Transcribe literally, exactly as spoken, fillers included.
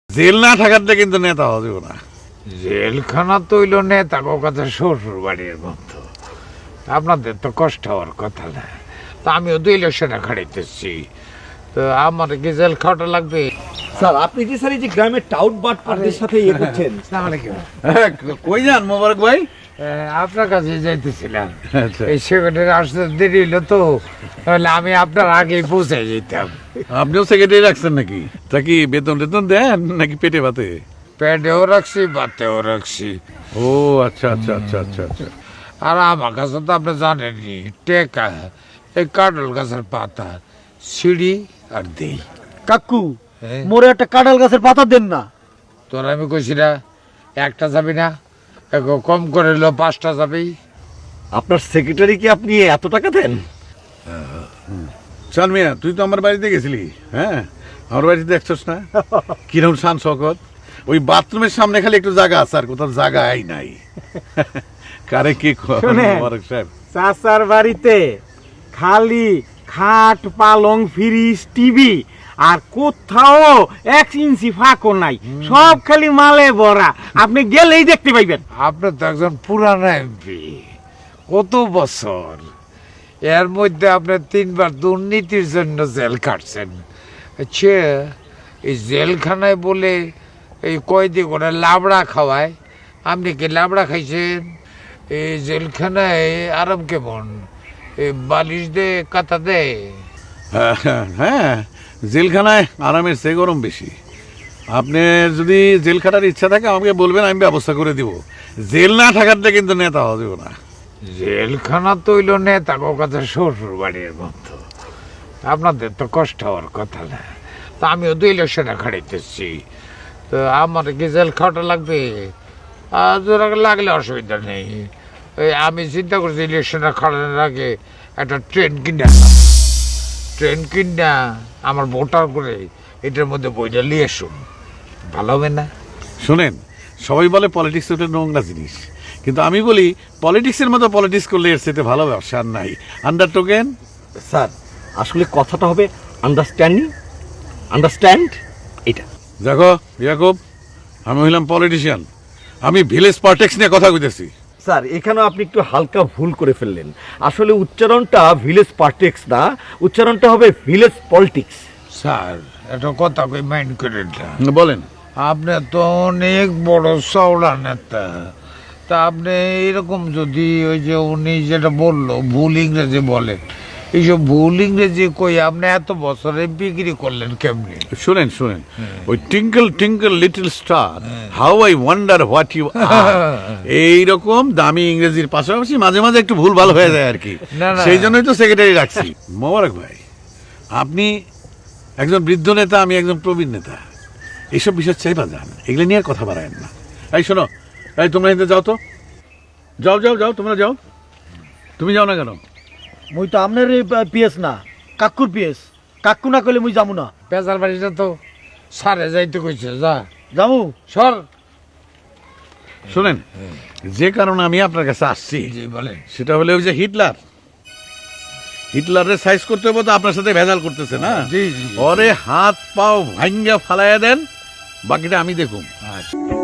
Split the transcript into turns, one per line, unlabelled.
Jail না থাকাতে কিন্তু নেতা হওয়া যাবে না।
জেলখানা তৈল নেতা কাছে শ্বশুর বাড়ির মতো, আপনাদের তো কষ্ট হওয়ার কথা না। তা আমিও তো ইলেকশনে খাড়াইতেছি, তো আমার কি জেল খাওয়াটা লাগবে?
স্যার আপনি কি স্যার এই যে গ্রামের টাউট বাটপারদের সাথে ইয়ে করছেন?
আসসালামু আলাইকুম।
হ্যাঁ, কই যান মোবারক ভাই?
এ, আপনার কাছে যাইতেছিলাম।
আচ্ছা।
এই সেক্রেটারি আসতে দেরি হইলো তো, তাহলে আমি আপনার আগেই পৌঁছে যেতাম।
আপনিও সেক্রেটারি রাখছেন নাকি? তা কি বেতন টেতন দেন নাকি পেটে ভাতে?
পেটেও রাখছি, বাতেও রাখছি।
ও আচ্ছা আচ্ছা আচ্ছা আচ্ছা আচ্ছা।
আর আমার কাছে তো আপনি জানেনই, টেকা এই কাটল গাছের পাতা সিঁড়ি আর দেই।
কাকু
হ্যাঁ?
মোরে একটা কাঁঠাল গাছের পাতা দেন না।
তোর আমি কইছি না একটা যাবি না, একটু কম করে লো পাঁচটা যাবি।
আপনার সেক্রেটারি কি আপনি এত টাকা দেন?
চল মিয়া, তুই তো আমার বাড়িতে গেছিলি। হ্যাঁ, আমার বাড়িতে দেখছস না কিরকম শান শকত। ওই বাথরুমের সামনে খালি একটু জায়গা আছে, আর কোথাও জায়গাই নাই। কারে কি
শোনেন।
মোবারক সাহেব?
চাচার বাড়িতে খালি খাট পালং ফ্রিজ টিভি আর কোথাও এক ইঞ্চি ফাঁকও নাই, সব খালি মালে ভরা। আপনি গেলেই দেখতে পাইবেন।
আপনি তো একজন পুরানো এমপি, কত বছর, এর মধ্যে আপনি তিনবার দুর্নীতির জন্য জেল কাটছেন। আচ্ছা, এই জেলখানায় বলে এই কয়দি করে লাবড়া খাওয়ায়, আপনি কি লাবড়া খাইছেন? এই জেলখানায় আরাম কেমন, এই বালিশ দে কাতা দে?
হ্যাঁ, জেলখানায় আরামের চেয়ে গরম বেশি। আপনার যদি জেল খাটার ইচ্ছা থাকে আমাকে বলবেন, আমি ব্যবস্থা করে দিব। জেল না থাকাতে কিন্তু নেতা হওয়া যাবে না।
জেলখানা তৈল নেতা কাছে শ্বশুর বাড়ির মতো, আপনাদের তো কষ্ট হওয়ার কথা না। তা আমিও তো ইলেকশনে খাড়াইতেছি, তো আমার কি জেল খাওয়াটা লাগবে? আর জোর আগে লাগলে অসুবিধা নেই। এই আমি চিন্তা করছি ইলেকশনে খাড়ানোর আগে একটা ট্রেন কিনে আনলাম। ট্রেন কিনা আমার ভোটার করে এটার মধ্যে বইটা নিয়ে আসুন, ভালো হবে না?
শোনেন, সবাই বলে পলিটিক্স ওটা নোংরা জিনিস, কিন্তু আমি বলি পলিটিক্সের মতো পলিটিক্স করলে এর সাথে ভালো ব্যবসা আর নাই। আন্ডার টোকেন
স্যার আসলে কথাটা হবে আন্ডারস্ট্যান্ডিং, আন্ডারস্ট্যান্ড এটা।
দেখো ইয়াকুব, আমি হইলাম পলিটিশিয়ান, আমি ভিলেজ পলিটিক্স নিয়ে কথা কইতেছি।
স্যার এখানেও আপনি একটু হালকা ভুল করে ফেললেন। আসলে উচ্চারণটা ভিলেজ পলিটিক্স না, উচ্চারণটা হবে ভিলেজ পলিটিক্স।
স্যার একটা কথা কই, মাইন্ড করে না।
বলেন।
আপনি তো অনেক বড় চওড়া নেতা, তা আপনি এরকম যদি ওই যে উনি যেটা বললো ভুল ইংরেজি বলে, এইসব ভুল ইংরেজি কই আপনি এত বছরে বিক্রি করলেন কেমনি?
শুনেন শুনেন, ওই twinkle twinkle little star, how I wonder what you are, এইরকম দামি ইংরেজির পাশাপাশি মাঝে মাঝে একটু ভুল ভালো হয়ে যায় আর কি।
না, না।
সেই জন্যই তো সেক্রেটারি রাখছি। মোবারক ভাই, আপনি একজন বৃদ্ধ নেতা, আমি একজন প্রবীণ নেতা, এইসব বিষয় চাইবা যান, এগুলো নিয়ে আর কথা বাড়ায়েন না। এই শোনো, এই তোমরা এতে যাও তো, যাও যাও যাও, তোমরা যাও। তুমি যাও না কেন?
মুই তো আপনার পিএস না, কাকুর পিএস। কাকু না কইলে মুই যাবো না।
পেঁচার বাড়িটা তো সারে যাইতে কইছে, যা
যাবো
সর।
শোনেন, যে কারণে আমি আপনার কাছে আসছি
জি বলেন।
সেটা হলে ওই যে হিটলার, হিটলারের সাইজ করতে হবে তো আপনার সাথে ভেজাল করতেছে না।
জি জি জি।
ওরে হাত পাও ভাঙ্গা ফালাইয়া দেন, বাকিটা আমি দেখুন।
আচ্ছা।